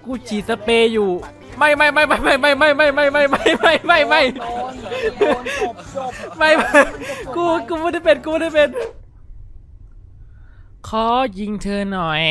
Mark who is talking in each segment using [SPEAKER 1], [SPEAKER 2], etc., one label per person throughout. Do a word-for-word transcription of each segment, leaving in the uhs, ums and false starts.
[SPEAKER 1] กูฉีดสเปรย์อยู่ไม่ไม่ไม่ไม่ไม่ไม่ไม่ไม่ไม่ไม่ไม่ไม่ไม่ไม่
[SPEAKER 2] โดนโดนจบจบ
[SPEAKER 1] ไม่กูกูไม่ได้เป็นกูไม่ได้เป็นขอยิงเธอหน่อย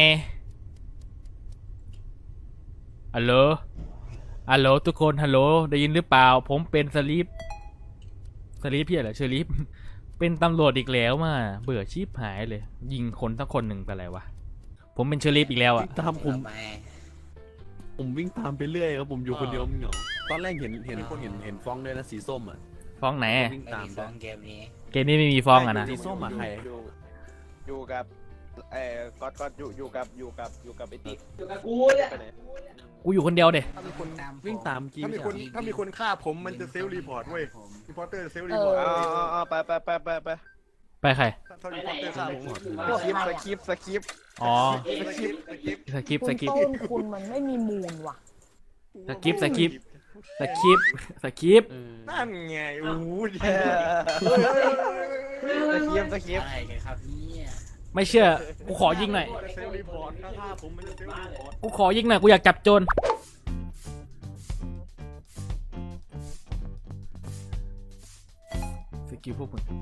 [SPEAKER 1] ฮัลโหลฮัลโหลทุกคนฮัลโหลได้ยินหรือเปล่าผมเป็นสลีปสลีปพี่อะไรเชอริฟเป็นตำรวจอีกแล้วมาเบื่อชีพหายเลยยิงคนทั้งคนหนึ่งไปอะไรวะผมเป็นเชอริฟอีกแล้วอะ
[SPEAKER 3] ตามผมผมวิ่งตามไปเรื่อยครับผมอยู่คนเดียวเหงาตอนแรกเห็นเห็นคนเห็นเห็นฟ้องด้วยนะสีส้มอ่ะ
[SPEAKER 1] ฟ้องไหน
[SPEAKER 3] วิ่ง
[SPEAKER 4] ไม่
[SPEAKER 3] ตาม
[SPEAKER 4] มี
[SPEAKER 3] ไป
[SPEAKER 4] ฟ้องเกมนี้
[SPEAKER 1] เกมนี้ไม่มีฟ้องอะนะ
[SPEAKER 3] สีส้มอะใคร
[SPEAKER 5] อยู่อยู่กับเอ่อก๊อตก๊อตอยู่อยู่กับอยู่กับอยู่กับไอ้ติ๊ก
[SPEAKER 2] อยู่กับกูเนี่ย
[SPEAKER 5] ไปไหน
[SPEAKER 1] กูอยู่คนเดียวเด็
[SPEAKER 6] ถ้ามีคน
[SPEAKER 3] วิ่งตามกี้
[SPEAKER 6] ถ้ามีคน
[SPEAKER 3] ใช่
[SPEAKER 6] ถ้ามีคนฆ่าผมมันจะเซลล์รีพอร์ตเว้ยรีพอร์เตอร์เซลล์รี
[SPEAKER 2] เอ
[SPEAKER 6] พอร์ต
[SPEAKER 2] อ
[SPEAKER 5] อ๋ออ๋ออ๋อไปไปไปไปไป
[SPEAKER 1] ไปใคร
[SPEAKER 6] ถ้ารีพอร์เตอร์ฆ่าผม
[SPEAKER 5] สคริปต์สคริปต์สคริปต์
[SPEAKER 1] อ๋อ
[SPEAKER 5] สคริปต์สคริปต์
[SPEAKER 1] สกิป
[SPEAKER 2] คุ
[SPEAKER 1] ส
[SPEAKER 2] ณ
[SPEAKER 1] กิป
[SPEAKER 2] ต้นคุณมันไม่มีมูลว่ะ
[SPEAKER 1] สกิปสกิปสกิปสกิป
[SPEAKER 3] เออ
[SPEAKER 6] นั่นไงโอ้โห
[SPEAKER 5] เออสคริปต์สคริปต์
[SPEAKER 4] อะไรกันครับเนี่ย
[SPEAKER 1] ไม่เชื่อกูขอยิงหน่อย
[SPEAKER 6] เซลล์รีพอร์ตถ้าฆ่าผมมันจะเซลล์รีพอร์ต
[SPEAKER 1] กูขอยิงหน่อยกูอยากจับโจรสกิลพวกมึง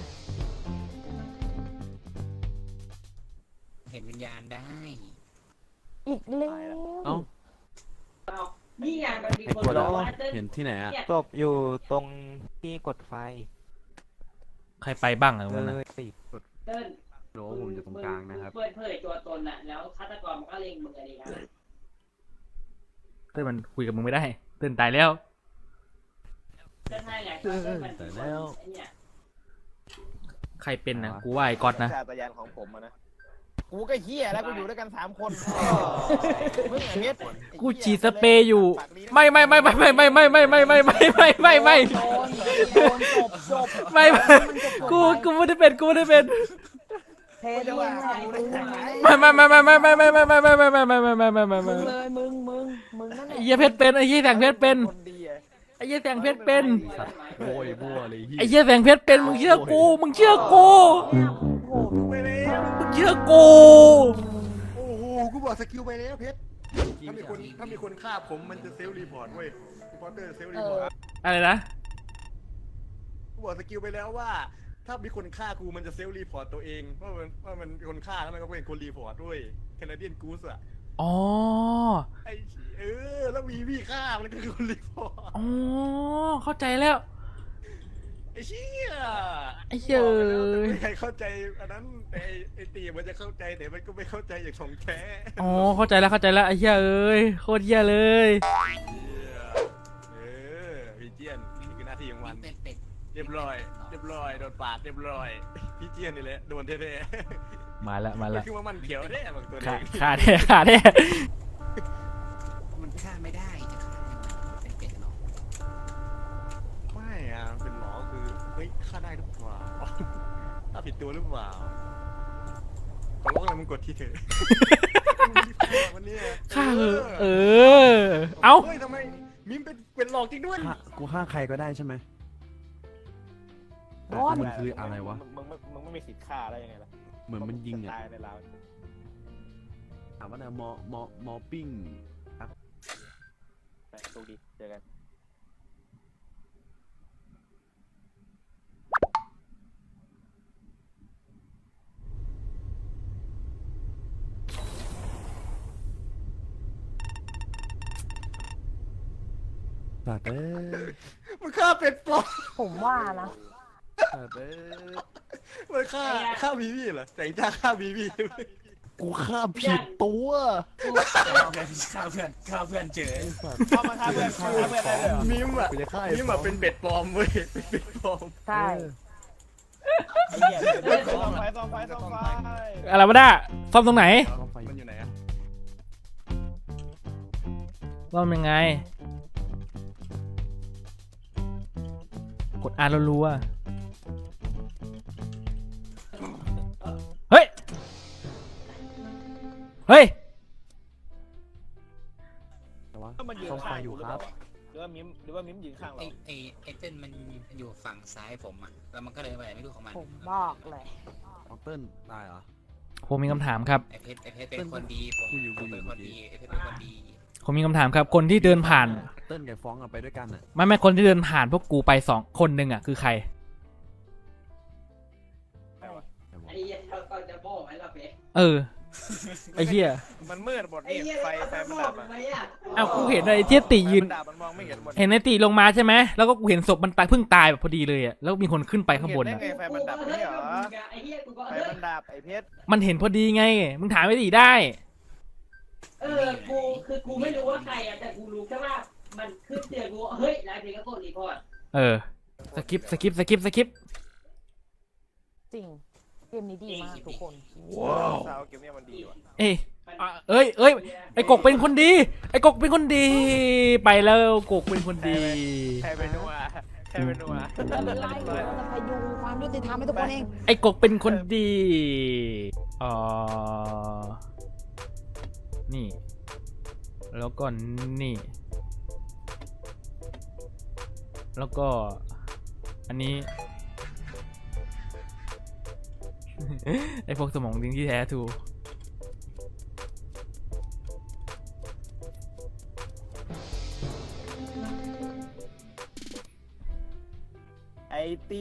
[SPEAKER 4] เห็นวิญญาณได้
[SPEAKER 2] อีกแล้ว
[SPEAKER 3] เอ้า
[SPEAKER 7] นี่ไงมันมี
[SPEAKER 3] ไอ้
[SPEAKER 7] คน
[SPEAKER 3] ตัว
[SPEAKER 7] บ
[SPEAKER 3] เรา
[SPEAKER 7] อกว่าเต้น
[SPEAKER 3] เห็นที่ไหนอ่ะ
[SPEAKER 8] ศพอยู่ตรงที่กดไฟ
[SPEAKER 1] ใครไปบ้างอะตรง
[SPEAKER 8] เล
[SPEAKER 1] นั้นนะ
[SPEAKER 8] ยสิ
[SPEAKER 7] เต้น
[SPEAKER 3] โหผมอยู่ตรงกลางนะครับ
[SPEAKER 7] เปิดเผยตัวตนน่ะแล้วฆาตกรมันก็เล็งมึงอะไรกัน
[SPEAKER 1] เต้นมันคุยกับมึงไม่ได้เต้นตายแล้ว
[SPEAKER 7] เต้นให้ไงเต้นมันเป็นคนไอ้เนี่ย
[SPEAKER 1] ใครเป็นนะกูว่าไอ้ก๊อตนะ
[SPEAKER 5] ชาตญาณของผมอะนะกูก็เฮียแล้วกูอยู่ด้วยกันสามคนมึงไอ้เม็ด
[SPEAKER 1] กูฉีดสเปรย์อยู่ไม่ไม่ไม่ไม่ไม่ไม่ไม่ไม่ไม่ไม่ไม่ไม่ไม่ไม่
[SPEAKER 2] โดนโดนจบจบ
[SPEAKER 1] ไม่กูกูไม่ได้เป็นกูไม่ได้เป็น
[SPEAKER 2] เพชรมึงแหละมึง
[SPEAKER 1] ไม่ไม่ไม่ไม่ไม่ไม่ไม่ไม่ไม่ไม่ไม่ไม่ไม่ไม่ไม่ไม่ไม่
[SPEAKER 2] มึ
[SPEAKER 1] ไม่
[SPEAKER 2] งเลยมึงมึงมึงนั่นแห
[SPEAKER 1] ไอ้
[SPEAKER 2] ละ
[SPEAKER 1] เหี้ยเพชรเป็นไอ้เหี้ยแสงเพชรเป็น
[SPEAKER 5] คนดีอะ
[SPEAKER 1] ไอ้เหี้ยแสงเพชรเป็น
[SPEAKER 3] สัตว์โวยบัวเลย
[SPEAKER 1] ไอ้เหี้ยแสงเพชรเป็นมึงเชื่อกูมึงเชื่อกู
[SPEAKER 2] โอ้โห
[SPEAKER 6] ไปแล้ว
[SPEAKER 1] มึงเชื่อกู
[SPEAKER 6] โอ้โหกูบอกสกิลไปแล้วเพชรถ้ามีคนถ้ามีคนฆ่าผมมันจะเซลล์รีพอร์ตเว้ยรีพอร์เตอร์เซลล์รีพอร์ต
[SPEAKER 1] อะไรนะ
[SPEAKER 6] กูบอกสกิลไปแล้วว่า ถ้ามีคนฆ่ากูมันจะเซลล์รีพอร์ตตัวเองว่ามันว่ามันเป็นคนฆ่าแล้วมันก็เป็นคนรีพอร์ตด้วยแคนาเดียนกูสอะ
[SPEAKER 1] อ๋อ
[SPEAKER 6] ไอ้เออแล้วมีพี่ฆ่ามันก็คือคนรีพอร์ต
[SPEAKER 1] อ๋อเข้าใจแล้ว
[SPEAKER 6] ไอ้เชี่ย
[SPEAKER 1] ไอ้เหี้ย
[SPEAKER 6] บอกไปแล้วแต่ไม่มีใครเข้าใจอันนั้นแต่ไอ้ไอ้ตีมันจะเข้าใจแต่มันก็ไม่เข้าใจอย่างของแท้
[SPEAKER 1] อ๋อเข้าใจแล้วเข้าใจแล้วไอ้เหี้ยเอ้ยโคตรเหี้ยเลย
[SPEAKER 6] เออพี่เจียนนี่คือหน้าที่ของมัน
[SPEAKER 4] เป็นเป็ด
[SPEAKER 6] เรียบร้อยเรียบร้อยโดนปาดเรียบร้อยพี่เจียนนี่แหละโดนแท้
[SPEAKER 1] มาแล้วมา
[SPEAKER 6] ๆ
[SPEAKER 1] แล้
[SPEAKER 6] ก็
[SPEAKER 1] ว
[SPEAKER 6] คือว่ามันเขียวแน่บางตัว
[SPEAKER 1] ขา
[SPEAKER 6] เอง
[SPEAKER 1] ขาแท้ขาแท้
[SPEAKER 4] มันฆ่าไม่ได้จะฆ่ายังไงเป็นเป็ดหรอก
[SPEAKER 6] ไม่อะเป็นหมอคือเฮ้ยฆ่าได้หรือเปล่าฆ่าผิดตัวหรือเปล่าขอร้องเลยมึงกดที่เถอะวันนี้
[SPEAKER 1] ฆ่าเหอะเออเอ้า
[SPEAKER 6] เฮ้ยทำไมมิมเป็นเป็นหลอกจริงด้วย
[SPEAKER 3] ฆ่ากูฆ่าใครก็ได้ใช่ไหม
[SPEAKER 2] บอส
[SPEAKER 3] มันคืออะไรวะ
[SPEAKER 5] มึงมึงมึงไม่มีสิทธิ์ฆ่าได้ยังไงล่ะ
[SPEAKER 3] เหมือนมันยิงอ่ะ
[SPEAKER 5] ตายในเรา
[SPEAKER 3] ถามว่านะมอมอมอปิ้ง
[SPEAKER 5] โชคดีเจอกัน
[SPEAKER 3] สัตว์เอ้ย
[SPEAKER 6] มันฆ่าเป็ดปลอม
[SPEAKER 2] ผมว่านะ
[SPEAKER 3] สัตว์เอ้ย
[SPEAKER 6] มันฆ่าฆ่าบีบีเหรอแต่งจ้าฆ่าบีบี
[SPEAKER 3] กูฆ่าผิดตัว
[SPEAKER 4] ฆ่าเพื่อนฆ่าเพื่อนฆ่าเพื่อนเจอ
[SPEAKER 5] เข้ามาฆ่าเพื่อนฆ่าเพื่อนได้เลยเหรอ
[SPEAKER 6] มิมอะ
[SPEAKER 3] กูจะฆ่าไอ้
[SPEAKER 6] มิมอะเป็นเป็ดปลอมเว้ยเป็นเป็ดปลอม
[SPEAKER 2] ใช่
[SPEAKER 5] ไอ้เหี้ยส่องไฟส่องไฟส่องไฟ
[SPEAKER 1] อะไรวะน่ะซ่อมตรงไหน
[SPEAKER 3] เอาไฟ
[SPEAKER 6] มันอยู่ไหนอะ
[SPEAKER 1] ซ่อมยังไงกดอ่านรัวๆเฮ้ยเฮ้ย
[SPEAKER 3] แต่ว่า
[SPEAKER 5] ถ้ามันยืน
[SPEAKER 3] ซ่อมไฟ
[SPEAKER 5] ข้าง
[SPEAKER 3] อยู่ครับ
[SPEAKER 5] หรือว่ามิมหรือว่ามิมยืนข้าง
[SPEAKER 4] ไอ
[SPEAKER 5] เรา
[SPEAKER 4] ไอไอเต้นมันอยู่ฝั่งซ้ายผมอ่ะแล้วมันก็เลยไปไหนไม่รู้ของมัน
[SPEAKER 2] ผมบอกเลย
[SPEAKER 3] เอาเติ้ลตายเหรอ
[SPEAKER 1] ผมมีคำถามครับ
[SPEAKER 4] ไอเพชรไอเพชรเป็นคนดีผม
[SPEAKER 3] กูอยู่
[SPEAKER 4] ผมเป็น
[SPEAKER 3] กูอยู่
[SPEAKER 4] คนดีไอเพชรเป็นคนดี
[SPEAKER 1] ผมมีคำถามครับ คนที่เดินผ่าน
[SPEAKER 3] เติ้ลกับฟ้องอะไปด้วยกันอะ
[SPEAKER 1] ไม่ไม่คนที่เดินผ่านพวกกูไปสองคนหนึ่งอ่ะคือใคร
[SPEAKER 7] ไอ้เหี้ยเราก็จะบอกไหมล่ะเป๊ะ
[SPEAKER 1] เออ ไอ้เหี้ย
[SPEAKER 5] มันมืดหมด
[SPEAKER 7] ไอ้
[SPEAKER 5] นี่
[SPEAKER 7] เหี้ย
[SPEAKER 5] ไฟ
[SPEAKER 7] เรา
[SPEAKER 5] ไฟ
[SPEAKER 7] จะ
[SPEAKER 5] มัน
[SPEAKER 7] บอ
[SPEAKER 5] ดั
[SPEAKER 7] ก
[SPEAKER 5] บอ่ะ
[SPEAKER 7] ไหมอ่ะ
[SPEAKER 1] อ้าวกูเห็นไอ้เทียติยืน
[SPEAKER 5] ไฟมันดับมันมองไม่เห็นหมด
[SPEAKER 1] เห็นไอ้ติลงมาใช่ไหมแล้วก็กูเห็นศพมันตายเพิ่งตายแบบพอดีเลยอ่ะแล้วมีคนขึ้นไปข้างบน
[SPEAKER 5] เห็น
[SPEAKER 1] อ่ะ
[SPEAKER 5] ได้ไงไฟมันดับไม่ใช่เหรอ
[SPEAKER 7] ไอ้เหี้ยกูก็
[SPEAKER 5] ไฟ
[SPEAKER 7] เฮ้ย
[SPEAKER 5] มันดับไอ้เพชร
[SPEAKER 1] มันเห็นพอดีไงมึงถามไอ้ติได้
[SPEAKER 7] เออกูคือกูไม่รู้ว่าใครอ่ะแต่กูรู้แค่ว่ามันขึ้นเตือนกูว่าเฮ้ยแล้วเพลงก็กดรีพอร์ต
[SPEAKER 1] เออสกิปสกิปสกิปสกิป
[SPEAKER 2] จริง เกมนี้ดีมากทุกคน
[SPEAKER 5] สาวเกมเนี้ยมันดีว่ะ
[SPEAKER 1] เอ้ยอ่ะเอ้ยเอ้ยไอ้กกเป็นคนดี ไอ้กกเป็นคนดี ไปแล้วกกเป็นคนดี
[SPEAKER 5] ใครเป็นนัวใครเป็นนัว
[SPEAKER 2] ไม่เป็นไรเราจะพยุงความยุติธรรมให้ทุกคนเอง
[SPEAKER 1] ไอ้กกเป็นคนดีอ๋อนี่ แล้วก็นี่ แล้วก็ อันนี้ ไอ้พวกสมองดิ้งที่แท้ทู
[SPEAKER 5] ไอ้ตี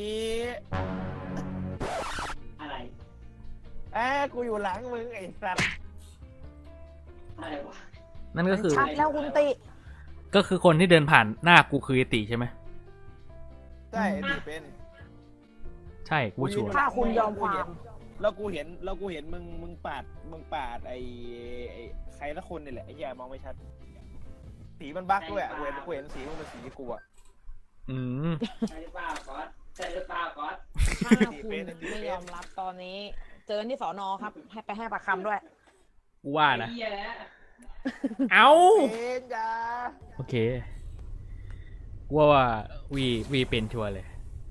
[SPEAKER 7] อะไร
[SPEAKER 5] แอ้กูอยู่หลังมึงไอ้สัตว์
[SPEAKER 7] อะไรวะ
[SPEAKER 1] นั่นก็คือ
[SPEAKER 2] ชัดแล้วคุณติ
[SPEAKER 1] ก็คือคนที่เดินผ่านหน้ากูคือไอติใช่ไหม
[SPEAKER 5] ใช่ไอ้ตีเป็น
[SPEAKER 1] ใช่กูชัวร์
[SPEAKER 2] ถ้าคุณยอมความ
[SPEAKER 5] แล้วกูเห็นแล้วกูเห็นมึงมึงปาดมึงปาดไอ้ไอ้ใครละคนนี่แหละไอ้แย่มองไม่ชัดสีมันบั๊กด้วยอะกูเห็นกูเห็นสีมันเป็นสีกูอะ
[SPEAKER 1] อืม
[SPEAKER 7] ใช่หรือเปล่าก๊อตใช่หรือเปล่าก๊อต
[SPEAKER 2] ถ้าคุณไม่ยอมรับตอนนี้ เจอที่สอนอครับ ให้ไปให้ปากคำด้วย
[SPEAKER 1] กูว่านะ
[SPEAKER 7] ไอ้เหี้ยแล้ว
[SPEAKER 1] เอา
[SPEAKER 5] เป็นจ้า
[SPEAKER 1] โอเคกูว่าว่าวีวีเป็นชัวร์เลย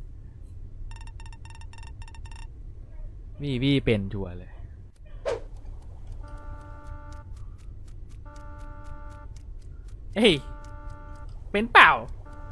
[SPEAKER 1] วีวีเป็นชัวร์เลย เฮ้ย เป็นเปล่า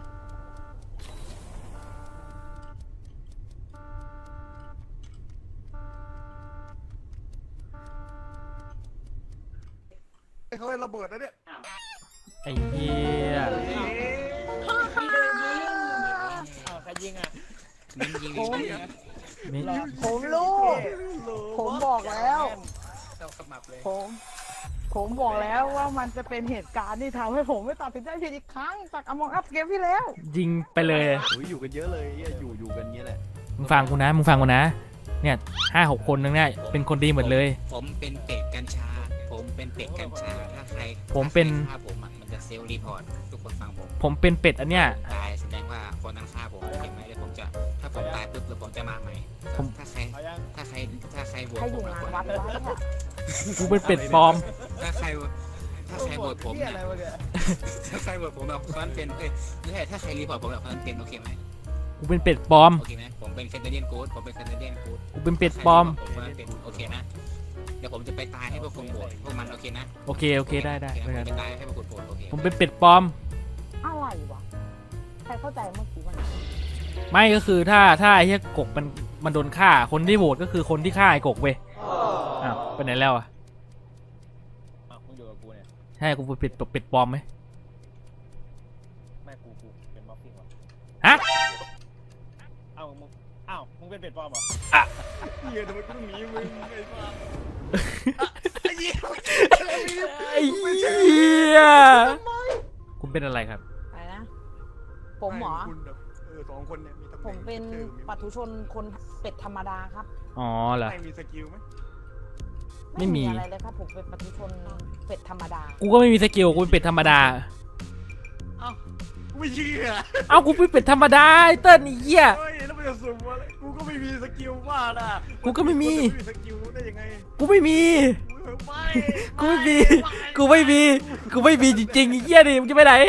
[SPEAKER 6] เขาให้ระเบิดนะเนี่ย
[SPEAKER 1] ไอ้เหี้ย
[SPEAKER 7] พี่โดนยิง
[SPEAKER 5] อ้าวใครยิงอ่ะ
[SPEAKER 4] มึงยิง
[SPEAKER 2] ผม
[SPEAKER 1] ไม่
[SPEAKER 2] ผมรู้ ผมบอกแล้ว
[SPEAKER 4] เราขมับเลย
[SPEAKER 2] ผม ผมบอกแล้วว่ามันจะเป็นเหตุการณ์ที่ทำให้ผมไม่ตัดสินใจผิดอีกครั้งจากอมองอัพเกมที่แล้ว
[SPEAKER 1] ยิงไปเลย
[SPEAKER 3] โอ้ยอยู่กันเยอะเลยเหี้ยอยู่อยู่กันเงี้ยแหละ
[SPEAKER 1] มึงฟังกูนะ มึงฟังกูนะ เนี่ยห้าหกคนนึงเนี่ยเป็นคนดีหมดเลย
[SPEAKER 4] ผมเป็นเป็ดกัญชา ผมเป็นเป็ดกัญชาถ้าใคร
[SPEAKER 1] ผมเป็น
[SPEAKER 4] ถ้าใครฆ่าผมอะมันจะเซลล์รีพอร์ตทุกคนฟังผม
[SPEAKER 1] ผมเป็นเป็ดอันเนี้ย
[SPEAKER 4] ตายแสดงว่าคนนั้นฆ่าผมเห็นไหมเดี๋ยวผมจะถ้าผมตายปุ๊บเดี๋ยวผมจะมาใหม่
[SPEAKER 1] ผม
[SPEAKER 4] ถ้าใคร
[SPEAKER 5] เอายัง
[SPEAKER 4] ถ้าใครถ้าใครโหวต
[SPEAKER 2] ให้อ
[SPEAKER 4] ผ
[SPEAKER 2] ยู่
[SPEAKER 4] ม
[SPEAKER 2] งาน
[SPEAKER 4] คน
[SPEAKER 2] วั
[SPEAKER 4] นั้
[SPEAKER 2] ด
[SPEAKER 4] น
[SPEAKER 2] ไว้อะ
[SPEAKER 1] กูเป็นเป็ดปลอม
[SPEAKER 4] ถ้าใครถ้าใครโหวตผม
[SPEAKER 5] เหี้ย
[SPEAKER 4] เนี่ย
[SPEAKER 5] อะไรวะเนี่ย
[SPEAKER 4] ถ้าใครโหวตผมแบบคนนั้นเป็นเอ้ยไม่ใช่ถ้าใครรีพอร์ตผมแบบคนนั้นเป็นโอเคไหม
[SPEAKER 1] กูเป็นเป็ดปลอม
[SPEAKER 4] โอเคไหมผมเป็นแคนาเดียนกู๊ดผมเป็นแคนาเดียนกู๊ด
[SPEAKER 1] กูเป็นเป็ดปลอม
[SPEAKER 4] ผมคนนั้นเป็นโอเคนะเดี๋ยวผมจะไปตายให้พวกคุณโหวตพวกมันโอเคนะ
[SPEAKER 1] โอเค โอเค ได้ได้
[SPEAKER 4] โอเค
[SPEAKER 1] ได้
[SPEAKER 4] นะผม
[SPEAKER 1] ได้
[SPEAKER 4] ไปตายให้พวกคุณโหวตโอเค
[SPEAKER 1] ผมเป็นเป็ดปลอม
[SPEAKER 2] อะไรวะ ใครเข้าใจเมื่อกี้มัน
[SPEAKER 1] ไม่ก็คือถ้าถ้าไอ้เหี้ยกกมันมันโดนฆ่า คนที่โหวตก็คือคนที่ฆ่าไอ้กกเว้ย อ้าวไปไหนแล้วอ่ะ
[SPEAKER 5] อ้าวมึงอยู่กับกูเนี่ย
[SPEAKER 1] ใช่ กูเป็นเป็ดเป็ดปลอมไหม
[SPEAKER 5] แม่กูกูเป็นมอฟฟิ้งวะ
[SPEAKER 1] ฮะ
[SPEAKER 5] อ้าวมึงอ้าวมึงเป็นเป็ดปลอมเหรอ
[SPEAKER 6] เฮียทำไมกูต้องหนีมึงไอ้บ้า
[SPEAKER 1] ไอ้เหี้ยคุณเป็นอะไรครับ
[SPEAKER 2] อะไรนะ ผมเหรอ
[SPEAKER 6] คุณแบบเออสองคนเนี่ยมีตำแห
[SPEAKER 2] ผ
[SPEAKER 6] น่ง
[SPEAKER 2] มเป็น
[SPEAKER 6] ชื่อมี
[SPEAKER 2] ปัทุชนคนเป็ดธรรมดาครับ
[SPEAKER 1] อ๋อเหรอ
[SPEAKER 6] ไม่มีสกิลไหม
[SPEAKER 1] ไม่มี
[SPEAKER 2] อะไรเลยครับ ผมเป็นปัทุชนเป็ดธรรมดา
[SPEAKER 1] กูก็ไม่มีสกิล กูเป็นเป็ดธรรมดา
[SPEAKER 6] กูไม่เชื่อ
[SPEAKER 1] เอ้า กูเป็นเป็ดธรรมดาไอ้เติ้ลไอ้เหี้ย
[SPEAKER 6] เฮ้ยแล้วมันจะสุ่มอะไรกูก็ไม่มีสกิลบ้าน่ะ
[SPEAKER 1] กูก็ไม่มี
[SPEAKER 6] คนจะมีสกิลได้ยังไง
[SPEAKER 1] กูไม่มี
[SPEAKER 6] ไม่
[SPEAKER 1] กูไม่มี กูไม่มี กูไม่มีจริงๆไอ้เหี้ยดิมึงจะไปไหน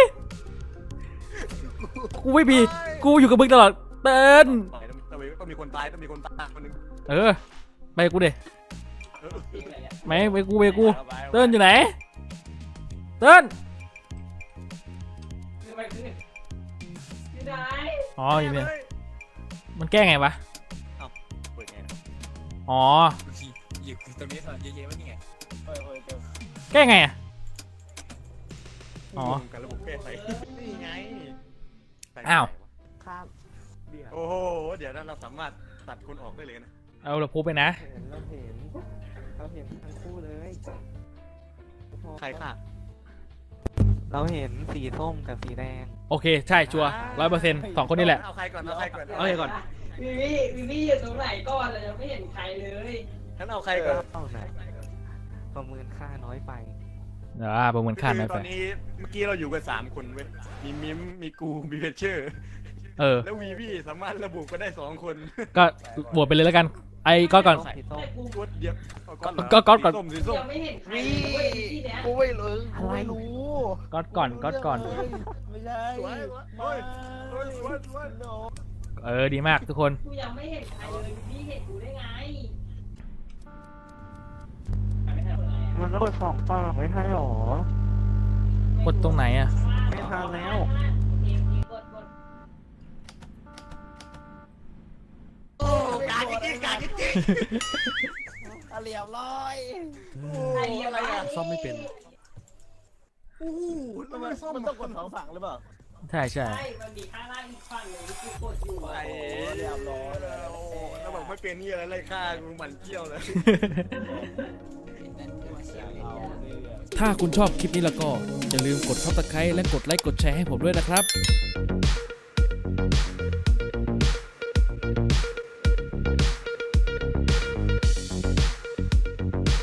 [SPEAKER 1] กูไม่มี กูอยู่กับมึงตลอด เติ้ล
[SPEAKER 6] ตายต้องต้องมีต้องมีคนตายต้องมีคนตายคนหนึง
[SPEAKER 1] เออ ไปกูเด
[SPEAKER 6] เออ
[SPEAKER 1] ไม่ไปกูไปกู เติ้ลอยู่ไหน เติ้ล
[SPEAKER 7] คือมันคืออยู่ไหน
[SPEAKER 1] อ๋ออยู่เนี่ย มันแก้ไงวะ
[SPEAKER 6] เปิดไงนะ
[SPEAKER 1] อ๋อ
[SPEAKER 4] อยู่ตรงนี้เถอะเยอะๆว่านี่ไง
[SPEAKER 5] เฮ้ยเฮ้ยเดี๋ยว
[SPEAKER 1] แก้ไงอ่ะอ๋อ
[SPEAKER 6] รวมกันระบบแก้ไขนี่ไงใส่ไม่
[SPEAKER 1] อ้าว
[SPEAKER 6] ได้วะ
[SPEAKER 2] ครับ
[SPEAKER 6] โอ้โหเดี๋ยวนั้นเราสามารถตัดคนออกได้เลยนะ
[SPEAKER 1] เอาเราพูดไปนะ
[SPEAKER 8] เห็นเราเห็นเราเห็นทั้งคู่เลย
[SPEAKER 6] ใครค่ะ
[SPEAKER 8] เราเห็นสีส้มกับสีแดง
[SPEAKER 1] โอเค ใช่ชัวร้อยเปอร์เซ็นต์สองคนนี่แหละ
[SPEAKER 6] เอาใครก่อนเอาใครก่อน
[SPEAKER 1] เอาใครก่อน
[SPEAKER 7] วิวี่วิวี่อยู่ตรงไหนก่อนเรายังไม่เห็นใครเลย
[SPEAKER 6] งั้นเอาใครก่อน
[SPEAKER 8] เท่าไหนประเมินค่าน้อยไป
[SPEAKER 1] อ่าประเมินค่า
[SPEAKER 6] คื
[SPEAKER 1] ไม่
[SPEAKER 6] อต
[SPEAKER 1] ไป
[SPEAKER 6] อนนี้เมื่อกี้เราอยู่กันสามคนเว้ยมีมิมมีกูมีเพชเชอร์
[SPEAKER 1] เออ
[SPEAKER 6] แล้ววีวีสามารถระบุก็ได้สองคน
[SPEAKER 1] ก็บวชไปเลยแล้วกัน ไอ้ก็ก่อน
[SPEAKER 8] สีส้ม
[SPEAKER 7] แต่กู
[SPEAKER 6] กดเดียวเอาก่อนเหร
[SPEAKER 1] ก็ก็ก่อน
[SPEAKER 6] สีส้มสีส้ม
[SPEAKER 7] ยังไม่เห็นใครเลยเว้ยที่เนี้ย
[SPEAKER 2] กูไม่รู้กูไม่รู้
[SPEAKER 1] ก็ก่อนก็ก่อน
[SPEAKER 5] ไม่ใช่
[SPEAKER 6] สวยสวยสวยสวยสวยสวย
[SPEAKER 1] เออ ดีมากทุกคน
[SPEAKER 7] กูยังไม่เห็นใครเลยวิวี่เห็นกูได้ไง
[SPEAKER 8] มันต้องกดสองปากไม่ใช่หรอก
[SPEAKER 1] ดตรงไหนอ่ะ
[SPEAKER 8] ไม่ทันแล้ว
[SPEAKER 7] กดกด
[SPEAKER 6] โอ้การจริงๆการจริง
[SPEAKER 5] อ่ะเรียบร้อย
[SPEAKER 7] ใครอะไรอ่ะ
[SPEAKER 3] ซ่อมไม่เป็น
[SPEAKER 6] ๆโอ้โหแล้ว
[SPEAKER 5] มั
[SPEAKER 6] มัน นซ่อม
[SPEAKER 5] มันต้องกดสองฝั่งหรือเปล่า
[SPEAKER 1] ใช่ใช่
[SPEAKER 7] ใช่มันมีข้างล่างอีกฝั่งหนึ่งที่กูกดอยู่
[SPEAKER 6] ไอ้
[SPEAKER 7] อ่ะ
[SPEAKER 6] เรียบร้อยแล้วโอ้โหแล้วบอกไม่เป็นนี่อะไรไล่ฆ่ากูหมันเกี้ยวเลย
[SPEAKER 1] ถ้าคุณชอบคลิปนี้แล้วก็ อย่าลืมกดซับสไครต์และกดไลค์กดแชร์ให้ผมด้วยนะครับ